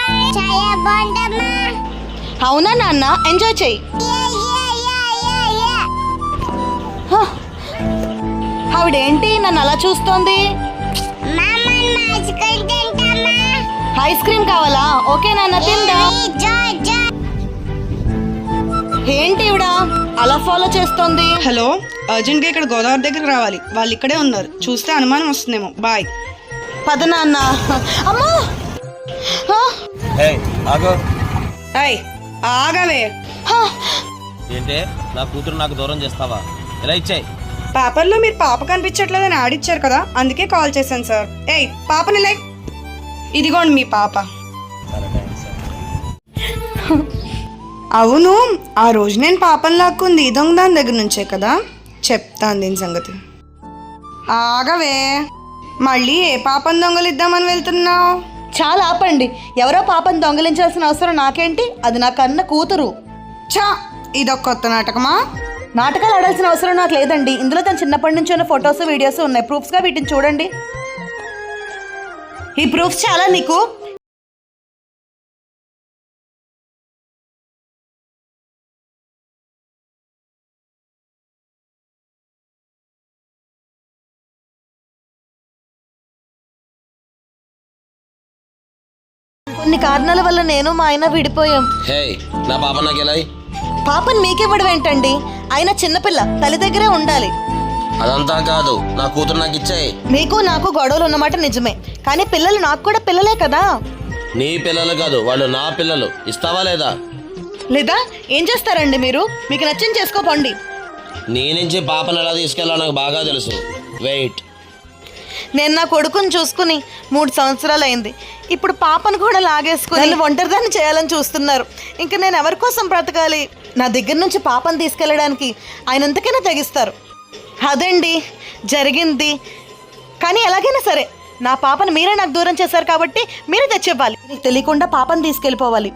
అవునా నాన్న, ఎంజాయ్ చెయ్యి. ఆవిడేంటి నన్ను అలా చూస్తోంది? ఐస్ క్రీమ్ కావాలా? ఓకే నాన్న, తిందా. ఏంటి ఇవిడ అలా ఫాలో చేస్తోంది? హలో, అర్జెంట్ గా ఇక్కడ గోదావరి దగ్గరకు రావాలి. వాళ్ళు ఇక్కడే ఉన్నారు. చూస్తే అనుమానం వస్తుందేమో. బాయ్. పద నాన్న. అమ్మా, ఆగవే. ఏంటే నా కూతురు నాకు దూరం చేస్తావా? ఎలా ఇచ్చాయి? పేపర్లో మీరు పాప కనిపించట్లేదని ఆడిచ్చారు కదా, అందుకే కాల్ చేశాను సార్. పాపని లైక్ ఇదిగోండి మీ పాప. అవును, ఆ రోజు నేను పాపని లాక్కుంది ఈ దొంగ దాని దగ్గర నుంచే కదా. చెప్తాను దీని సంగతి. ఆగవే, మళ్ళీ ఏ పాపని దొంగలిద్దామని వెళ్తున్నావు? చాలా ఆపండి. ఎవరో పాపను దొంగలించాల్సిన అవసరం నాకేంటి? అది నా కన్న కూతురు. చా, ఇదొక కొత్త నాటకమా? నాటకాలు ఆడాల్సిన అవసరం నాకు లేదండి. ఇందులో తను చిన్నప్పటి నుంచి ఉన్న ఫొటోస్, వీడియోస్ ఉన్నాయి. ప్రూఫ్స్గా వీటిని చూడండి. ఈ ప్రూఫ్స్ చాలా నీకు. కొన్ని కారణాల వల్ల నేను మా ఆయన విడిపోయాం. నా పాప నాకు ఎలా? పాపని మీకివ్వడం ఏంటండి? ఆయన చిన్నపిల్ల, తల్లి దగ్గరే ఉండాలి. అదంతా కాదు, నా కూతురు నాకు ఇచ్చాయి. మీకు నాకు గొడవలు ఉన్నమాట నిజమే, కానీ పిల్లలు నాకు కూడా పిల్లలే కదా. నీ పిల్లలు కాదు, వాళ్ళు నా పిల్లలు. ఇస్తావా లేదా? లేదా ఏం చేస్తారండి మీరు? మీకు నచ్చింది చేసుకోపండి. నీ నుంచి పాపను ఎలా తీసుకెళ్ళాలో నాకు బాగా తెలుసు. వెయిట్. నేను నా కొడుకుని చూసుకుని 3 సంవత్సరాలు అయింది. ఇప్పుడు పాపను కూడా లాగేసుకుని నన్ను ఒంటరిదాన్ని చేయాలని చూస్తున్నారు. ఇంకా నేను ఎవరి కోసం బ్రతకాలి? నా దగ్గర నుంచి పాపను తీసుకెళ్ళడానికి ఆయన ఎంతకైనా తెగిస్తారు. అదండి జరిగింది. కానీ ఎలాగైనా సరే నా పాపను మీరే నాకు దూరం చేశారు కాబట్టి మీరే తెచ్చివ్వాలి. నీకు తెలియకుండా పాపను తీసుకెళ్ళిపోవాలి.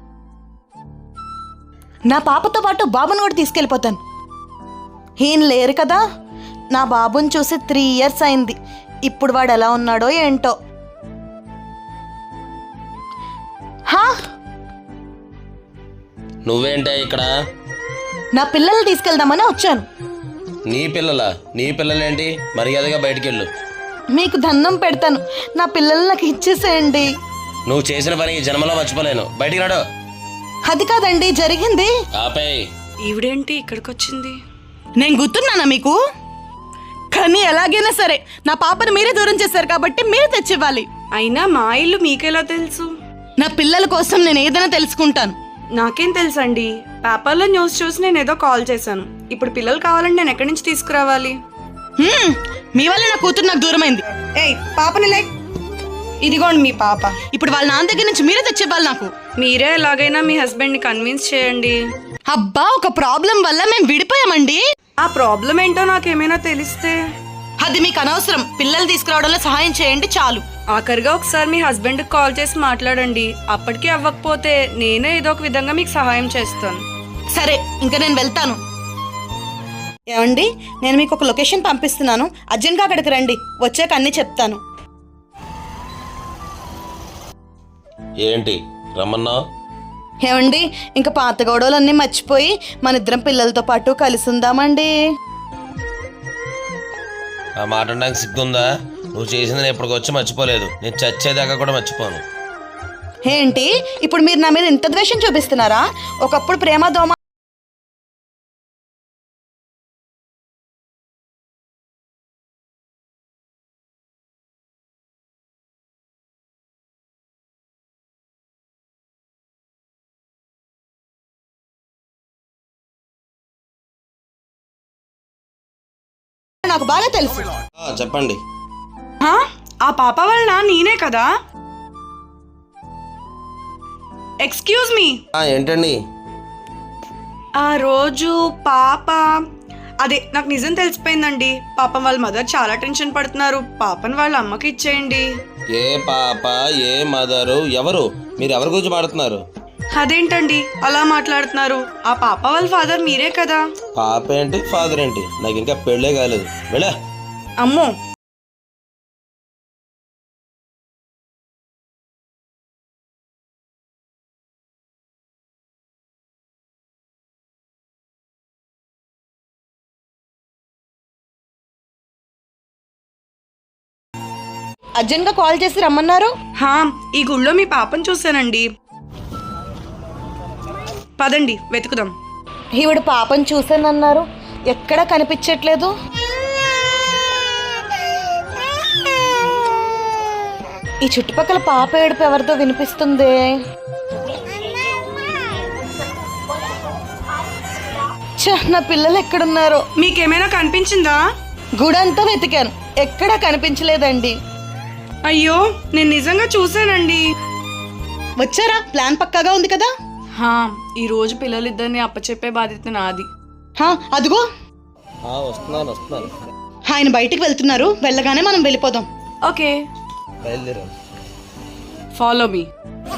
నా పాపతో పాటు బాబుని కూడా తీసుకెళ్ళిపోతాను. ఈయన లేరు కదా. నా బాబుని చూసి 3 ఇయర్స్ అయింది. ఇప్పుడు వాడు ఎలా ఉన్నాడో ఏంటో. నువ్వేంటే ఇక్కడ? నా పిల్లల్ని తీసుకెళ్దామని వచ్చాను. నీ పిల్లలా? నీ పిల్లలేంటి? మర్యాదగా బయటికెళ్ళు. మీకు దండం పెడతాను, నా పిల్లల్ని నాకు ఇచ్చేసేయండి. నువ్వు చేసిన పని ఈ జన్మలో మర్చిపోలేను. బయటికి రాడు. అది కాదండి జరిగింది. ఆపేయ్. ఈవిడేంటి ఇక్కడికి వచ్చింది? నేను గుర్తున్నానా మీకు? కానీ ఎలాగైనా సరే నా పాపను మీరే దూరం చేశారు కాబట్టి మీరే తెచ్చివ్వాలి. అయినా మా ఇల్లు మీకెలా తెలుసు? నా పిల్లల కోసం నేను ఏదైనా తెలుసుకుంటాను. నాకేం తెలుసండి, పేపర్లో న్యూస్ చూసి నేను ఏదో కాల్ చేశాను. ఇప్పుడు పిల్లలు కావాలంటే నేను ఎక్కడి నుంచి తీసుకురావాలి? మీ వల్ల నా కూతురు నాకు దూరమైంది. పాపని లైక్ ఇదిగోండి మీ పాప. ఇప్పుడు వాళ్ళ నాన్న దగ్గర నుంచి మీరే తెచ్చివ్వాలి నాకు. మీరే ఎలాగైనా మీ హస్బెండ్ ని కన్విన్స్ చేయండి. అబ్బా, ఒక ప్రాబ్లం వల్ల మేము విడిపోయామండి. ఆ ప్రాబ్లం ఏంటో నాకేమైనా తెలిస్తే? అది మీకు అనవసరం. పిల్లలు తీసుకురావడంలో సహాయం చేయండి చాలు. ఆఖరిగా ఒకసారి మీ హస్బెండ్ కాల్ చేసి మాట్లాడండి. అప్పటికీ అవ్వకపోతే నేనే ఏదో ఒక విధంగా మీకు సహాయం చేస్తాను. సరే, ఇంకా నేను వెళ్తాను. ఏమండి, నేను మీకు ఒక లొకేషన్ పంపిస్తున్నాను. అర్జెంట్గా అక్కడికి రండి. వచ్చాక అన్నీ చెప్తాను. ఏంటి రమ్మన్నా? ఏమండి, ఇంకా పాత గొడవలన్నీ మర్చిపోయి మన ఇద్దరం పిల్లలతో పాటు కలిసి ఉందామండి. ఆ మాట నాకు సిగ్గుందా? నువ్వు చేసింది నేను ఇప్పటికొచ్చి మర్చిపోలేదు. నేను చచ్చేదాకా కూడా మర్చిపోను. ఏంటి ఇప్పుడు మీరు నా మీద ఇంత ద్వేషం చూపిస్తున్నారా? ఒకప్పుడు ప్రేమ దోమ నాకు బాగా తెలుసు. చెప్పండి. ఆ పాప వలన నేనే కదా. Excuse me. ఏంటండి? ఆ రోజు పాప అదే నాకు నిజం తెలిసిపోయిందండి. పాపం వాళ్ళ మదర్ చాలా టెన్షన్ పడుతున్నారు. పాపని వాళ్ళ అమ్మకి ఇచ్చేయండి. ఏ పాప, ఏ మదరు, ఎవరు? మీరు ఎవరి గురించి మాట్లాడుతున్నారు? అదేంటండి అలా మాట్లాడుతున్నారు? ఆ పాప వాళ్ళ ఫాదర్ మీరే కదా. పాప ఏంటి, ఫాదర్ ఏంటి? నాకు ఇంకా పెళ్ళే కాలేదు. వెళ్ళా. అమ్మో, అర్జెంట్గా కాల్ చేసి రమ్మన్నారు. హా, ఈ గుళ్ళో మీ పాపను చూశానండి. పదండి వెతుకుదాం. ఈవిడ పాపను చూసానన్నారు, ఎక్కడా కనిపించట్లేదు. ఈ చుట్టుపక్కల పాప ఏడుపు ఎవరితో వినిపిస్తుంది. నా పిల్లలు ఎక్కడున్నారో. మీకేమైనా కనిపించిందా? గుడంతా వెతికాను, ఎక్కడా కనిపించలేదండి. అయ్యో, నేను నిజంగా చూశానండి. వచ్చారా? ప్లాన్ పక్కాగా ఉంది కదా. హా, ఈ రోజు పిల్లలిద్దరిని అప్పచెప్పే బాధ్యత నాది. అదిగో వస్తున్నాను. ఆయన బయటికి వెళ్తున్నారు, వెళ్ళగానే మనం వెళ్ళిపోదాం. Okay, follow me.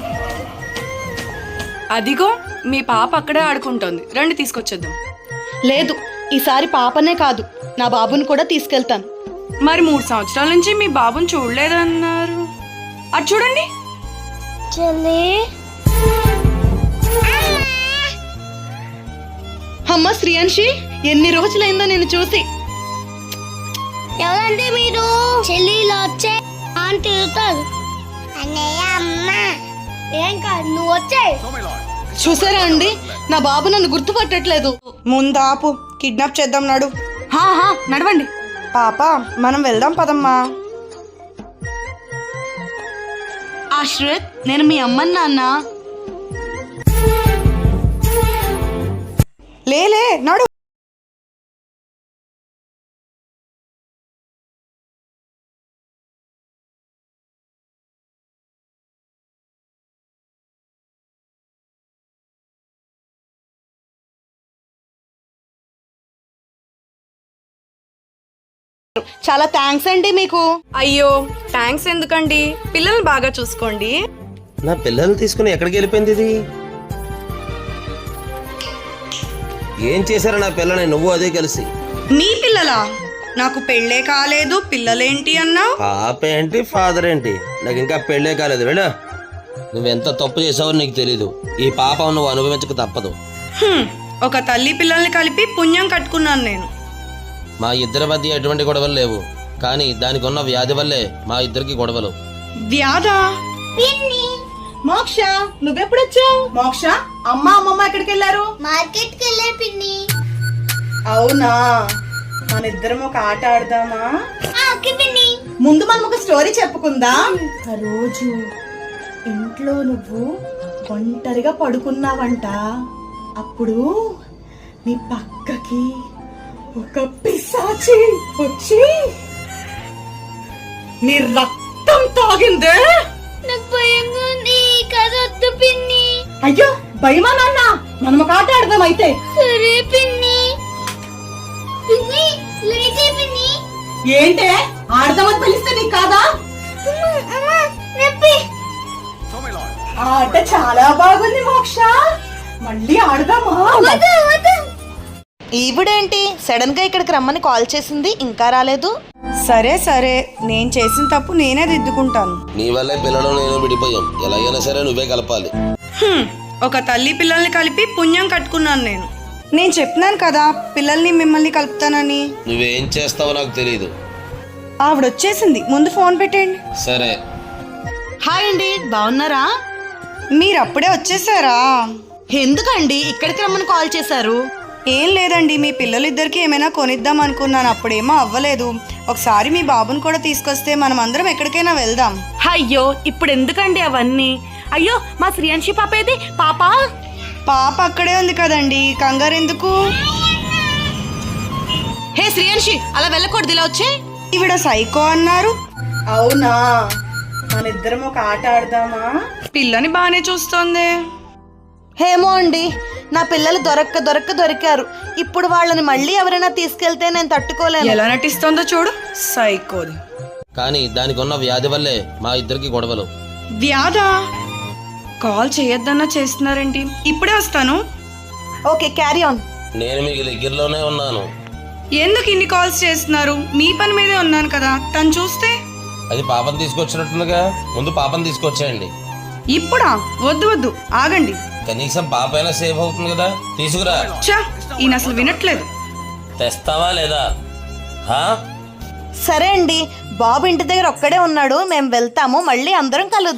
అదిగో మీ పాప అక్కడే ఆడుకుంటోంది, రండి తీసుకొచ్చేద్దాం. లేదు, ఈసారి పాపనే కాదు, నా బాబుని కూడా తీసుకెళ్తాను. మరి 3 సంవత్సరాల నుంచి మీ బాబుని చూడలేదన్నారు. అటు చూడండి. అమ్మ శ్రీయాన్షి, ఎన్ని రోజులైందో నేను చూసి. ఎవరంటే మీరు? చెల్లిలో వచ్చే తిరుగుతారు. అన్నయ్య అమ్మ ఏం కాదు, నువ్వు వచ్చే. చూసారా అండి, నా బాబు నన్ను గుర్తుపట్టట్లేదు. ముందాపు, కిడ్నాప్ చేద్దాం నాడు. నడవండి. పాప, మనం వెళ్దాం పదమ్మా. ఆశ్రిత్, నేను మీ అమ్మని నాన్న. లేలే నడు. చాలా థ్యాంక్స్ అండి మీకు. అయ్యో, థ్యాంక్స్ ఎందుకండి, పిల్లల్ని బాగా చూసుకోండి. నా పిల్లల్ని తీసుకుని ఎక్కడికి వెళ్ళిపోయింది ఇది? ఏం చేశారు నా పిల్లని, నువ్వు అదే కలిసి? మీ పిల్లలా? నాకు పెళ్ళే కాలేదు, పిల్లలేంటి అన్నావు? పాప ఏంటి, ఫాదర్ ఏంటి? నాకు ఇంకా పెళ్ళే కాలేదు. వెళ్ళా, నువ్వెంత తప్పు చేసావో నీకు తెలీదు. ఈ పాప నువ్వు అనుభవించక తప్పదు. ఒక తల్లి పిల్లల్ని కలిపి పుణ్యం కట్టుకున్నాను నేను. మా ఇద్దరి మధ్య ఎటువంటి గొడవలు లేవు, కానీ దానికి ఉన్న వ్యాధి వల్లే మా ఇద్దరికి గొడవలు. వ్యాధా? మోక్ష, నువ్వెప్పుడొచ్చావు? మోక్ష, అమ్మమ్మ ఎక్కడికి వెళ్ళారు? మార్కెట్ కి వెళ్ళే పిన్ని. అవునా, మన ఇద్దరం ఒక ఆట ఆడదామా? ఓకే పిన్ని. ముందు మనం ఒక స్టోరీ చెప్పుకుందాం. ఆ రోజు ఇంట్లో నువ్వు ఒంటరిగా పడుకున్నావంట. అప్పుడు నీ పక్కకి ఒక పిశాచి వచ్చి నీ రక్తం తాగిందే. నాకు భయంగా ఉంది, కదొద్దు పిన్ని. అయ్యో, భయమా నాన్న? మనం ఒక ఆట ఆడదాం అయితే. సరే పిన్ని. పిన్ని లేచే పిన్ని. ఏంటే ఆడదామని పిలిస్తే నీకు కాదా? నొప్పి. ఆ ఆట చాలా బాగుంది మోక్ష, మళ్ళీ ఆడదామా? ఈవిడేంటి సడన్ గా ఇక్కడికి రమ్మని కాల్ చేసింది, ఇంకా రాలేదు. సరే సరే, నేను చేసిన తప్పు నేనే దిద్దుకుంటాను. నీ వల్లే పిల్లలు నేను విడిపోయాం, ఎలాగైనా సరే నువ్వే కలపాలి. ఒక తల్లి పిల్లల్ని కలిపి పుణ్యం కట్టుకున్నాను నేను. నేను చెప్పినాను కదా పిల్లల్ని మిమ్మల్ని కలుపుతానని. నువ్వేం చేస్తావో నాకు తెలియదు. ఆవిడొచ్చేసింది, ముందు ఫోన్ పెట్టండి. సరే. హాయ్ అండి, బాగున్నారా? మీరు అప్పుడే వచ్చేసారా? ఎందుకండి ఇక్కడికి రమ్మని కాల్ చేశారు? ఏం లేదండి, మీ పిల్లలిద్దరికి ఏమైనా కొనిద్దాం అనుకున్నాను, అప్పుడేమో అవ్వలేదు. ఒకసారి మీ బాబుని కూడా తీసుకొస్తే మనం అందరం ఎక్కడికైనా వెళ్దాం. అయ్యో, ఇప్పుడు ఎందుకండి అవన్నీ? అయ్యో, మా శ్రీయాన్షి పాప ఏది? పాప అక్కడే ఉంది కదండి, కంగారు ఎందుకు? హే శ్రీయాన్షి, అలా వెళ్ళకూడదు, ఇలా వచ్చే. ఈవిడ సైకో అన్నారు. అవునా, మన ఇద్దరం ఒక ఆట ఆడదామా? పిల్లని బానే చూస్తోంది. ఏమో అండి, నా పిల్లలు దొరికారు. ఇప్పుడు వాళ్ళని మళ్ళీ ఎవరైనా తీసుకెళ్తే నేను తట్టుకోలేను. ఎలా నటిస్తోందో చూడు, సైకోది. కానీ దానికి ఉన్న వ్యాధి వల్లే మా ఇద్దరికి గొడవలు. వ్యాధా? కాల్ చేయొద్దన్నా చేస్తున్నారేంటి? ఇప్పుడే వస్తాను. Okay, carry on. నేను మీకు దగ్గరలోనే ఉన్నాను. ఎందుకు ఇన్ని కాల్స్ చేస్తున్నారు? మీ పని మీదే ఉన్నాను కదా. తను చూస్తే అది పాపను తీసుకొచ్చినట్టుందిగా, ముందు పాపను తీసుకొచ్చేయండి. ఇప్పుడా? వద్దు వద్దు, ఆగండి. కనీసం పాప అయినా సేఫ్ అవుతుంది కదా, తీసుకురా. చా, ఈయన అసలు వినట్లేదు. తెస్తావా లేదా? సరే అండి, బాబు ఇంటి దగ్గర ఒక్కడే ఉన్నాడు, మేము వెళ్తాము, మళ్ళీ అందరం కలుద్దాం.